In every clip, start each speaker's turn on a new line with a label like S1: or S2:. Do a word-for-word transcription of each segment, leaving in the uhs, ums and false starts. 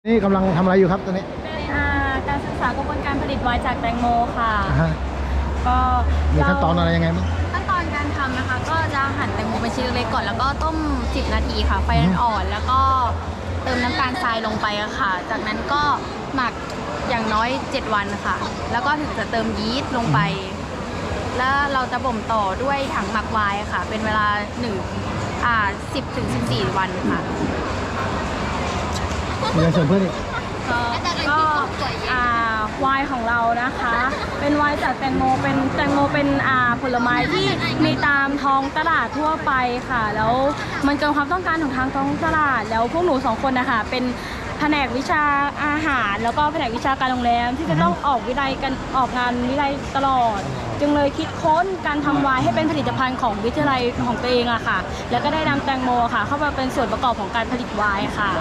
S1: นี่กำลังทำอะไรอยู่ครับตอนนี้
S2: เป็นการศึกษากระบวนการผลิตไวน์จากแตงโมค่ะ
S1: ฮะ
S2: ก็
S1: มีขั้นตอนอะไรยังไงบ้าง
S2: ขั้นตอนการทำนะคะ ก็จะหั่นแตงโมเป็นชิ้นเล็กก่อนแล้วก็ต้มสิบนาทีค่ะไฟอ่อนๆแล้วก็เติมน้ำตาลทรายลงไปอะค่ะ จากนั้นก็หมักอย่างน้อยเจ็ดวันค่ะ แล้วก็ถึงจะเติมยีสต์ลงไป แล้วเราจะบ่มต่อด้วยถังหมักไวน์ค่ะ เป็นเวลาหนึ่งอ่าสิบถึงสิบสี่วันค่ะ
S1: มีอะไรเสริมเพื่อนอีก
S2: ก็อ่าวายของเรานะคะ เป็นวายจากแตงโมเป็นแตงโมเป็นอ่าผลไม้ที่มีตามท้องตลาดทั่วไปค่ะ แล้วมันเกินความต้องการของทางท้องตลาดแล้วพวกหนูสองคนนะคะเป็นแผนกวิชาอาหาร แล้วก็แผนกวิชาการโรงแรมที่จะต้องออกวิจัยกันออกงานวิจัยตลอด จึงเลยคิดค้นการทำไวน์ให้เป็นผลิตภัณฑ์ของวิทยาลัยของตัวเองอะค่ะ แล้วก็ได้นำแตงโมค่ะ เข้ามาเป็นส่วนประกอบของการผลิตไวน์ค่ะ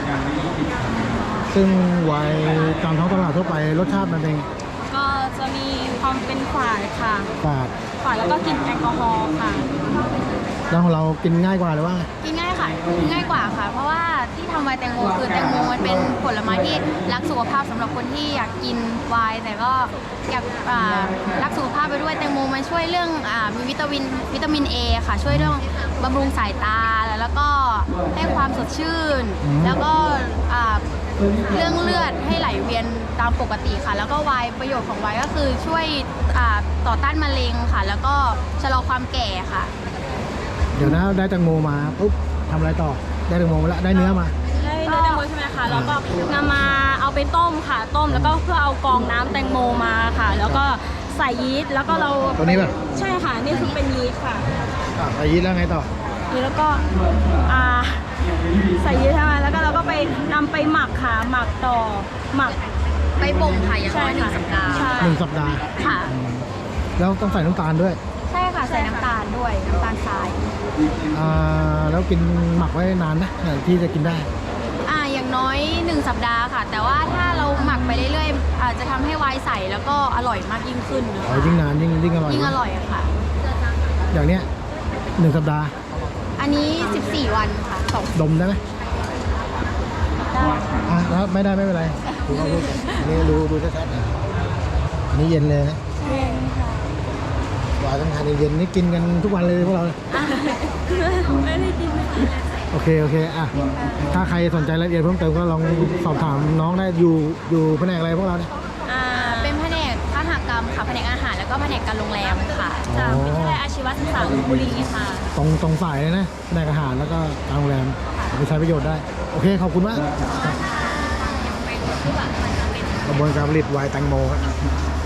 S1: ซึ่งไวน์ตามท้องตลาดทั่วไปรสชาติมันเป็น
S2: ก็จะมีความเป็นฝาดค่ะ
S1: ฝาด
S2: ฝาดแล้วก็กลิ่นแอลกอฮอล์ค่ะ
S1: แล้วของเรากินง่ายกว่าหรือว่า
S2: กินง่ายค่ะ ง่ายกว่าค่ะ เพราะว่าที่ทำไวน์แตงโมคือแตงโมมันเป็นผลไม้ที่รักสุขภาพสำหรับคนที่อยากกินไวน์แต่ก็อยากอ่ารักสุขภาพไปด้วยแตงโมมันช่วยเรื่องอ่ามีวิตามินวิตามินเอค่ะ ช่วยเรื่องบำรุงสายตาแล้วก็ให้ความสดชื่น
S1: อืม
S2: แล้วก็อ่าเรื่องเลือดให้ไหลเวียนตามปกติค่ะ แล้วก็ไวน์ประโยชน์ของไวน์ก็คือช่วยอ่าต่อต้านมะเร็งค่ะ แล้วก็ชะลอความแก่ค่ะ
S1: เดี๋ยวนะได้แตงโมมาปุ๊บทำอะไรต่อได้แตงโมมาแล้วได้เนื้อมา
S2: ได้เนื้อแตงโมใช่ไหมคะแล้วก็นำมาเอาไปต้มค่ะ ต้มแล้วก็เพื่อเอากรองน้ำแตงโมมาค่ะ แล้วก็ใส่ยีสต์แล้วก็เรา
S1: ตัวนี้ป่ะ
S2: ใช่ค่ะนี่คือเป็นยีสต์ค่ะ
S1: อ่ะไปยีสต์แล้วไงต่อ
S2: แล้วก็อ่าใส่ยีสต์ใช่ไหมแล้วก็เราก็ไปนำไปหมักค่ะหมักต่อหมัก
S3: ไปบ่มค่ะอย่างน้อยหนึ่งสัปดาห์
S2: ใช่
S1: หนึ่งสัปดาห์
S2: ค่ะ
S1: แล้วต้องใส่น้ำตาลด้วย
S2: ใช่ค่ะใส่น้ำตาลด้วยน้ำตาลทราย
S1: อ่าแล้วกินหมักไว้นานนะที่จะกินได้
S2: อ่าอย่างน้อยหนึ่งสัปดาห์ค่ะ แต่ว่าถ้าเราหมักไปเรื่อยๆอาจจะทำให้ไวน์ใสแล้วก็อร่อยมากยิ่งขึ้นนะ
S1: อ๋อ
S2: คะ
S1: ยิ่งนานยิ่งยิ่งอร่อย
S2: ยิ่งอร่อยอะค่ะ
S1: อย่างเนี้ยหนึ่งสัปดาห์
S2: อันนี้สิบสี่วันค่ะสอง
S1: ดมได้ไหม
S2: ได้
S1: อ่ะแล้วไม่ได้ไม่เป็นไรดูเอารูปก่อนอันนี้ดูดูชัดๆนะอันนี้เย็นเลยนะ
S2: เย็นค่ะ
S1: หวานต้องทานเย็นๆนี่กินกันทุกวันเลยพวกเรา
S2: ไม่ได้กินค่ะ
S1: โอเคโอเคอ่ะถ้าใครสนใจรายละเอียดเพิ่มเติมก็ลองสอบถามน้องได้อยู่อยู่แผนกอะไรพวกเราเนี่ย
S2: อ่าเป็นแผนกคหกรรมค่ะแผนกอาหารแล้วก็แผนกการโรงแรมค่ะจากวิทยาลัยอาชีวศึกษาลพบุรีค่ะ
S1: ตรงตรงฝ่ายเลยนะแผนกอาหารแล้วก็การโรงแรมเอาไปใช้ประโยชน์ได้โอเคขอบคุณมากกระบวนการผลิตไวน์แตงโมครับ